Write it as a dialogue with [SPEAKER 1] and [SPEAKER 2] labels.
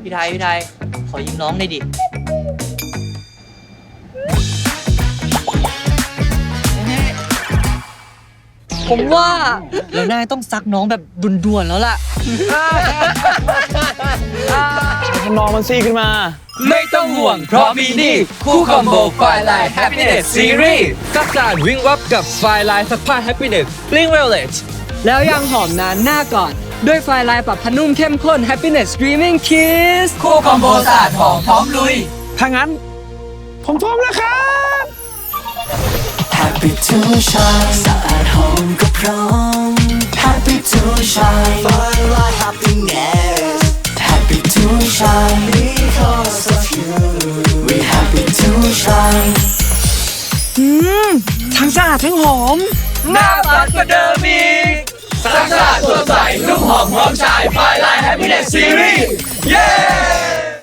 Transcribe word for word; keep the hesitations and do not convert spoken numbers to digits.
[SPEAKER 1] พี่ไทยพี่ไทยขอยิงน้องหน่อยดิผมว่าเราน่าต้องซักน้องแบบด่วนๆแล้วล่ะ
[SPEAKER 2] ทำนองมันซี่ขึ้นมา
[SPEAKER 3] ไม่ต้องห่วงเพราะมีนี่คู่คอมโบไฟไลน์ Happiness Series ซักสะอาดวิ่งวับกับไฟไลน์ซักผ้า Happiness Bling Violet
[SPEAKER 4] แล้วยังหอมนานหน้าก่อนด้วยไฟลายปรับผ้านุ่มเข้มข้น Happiness Dreaming Kiss
[SPEAKER 3] คู่คอมโบสะอาดหอมพร้อมลุย
[SPEAKER 2] ถ้างั้น ผมพร้อมแล้วครับ
[SPEAKER 5] Happy to shine สะอาดหอมก็พร้อม Happy to shine Firelight happiness Happy to shine because of you We happy to shine
[SPEAKER 2] ทั้งสะอาดทั้งหอม
[SPEAKER 3] หน้าปัดกว่าเดิมอีกซักสะอาดสดใสนุ่มหอมพร้อมชายไฟไลน์ Happiness Series เย้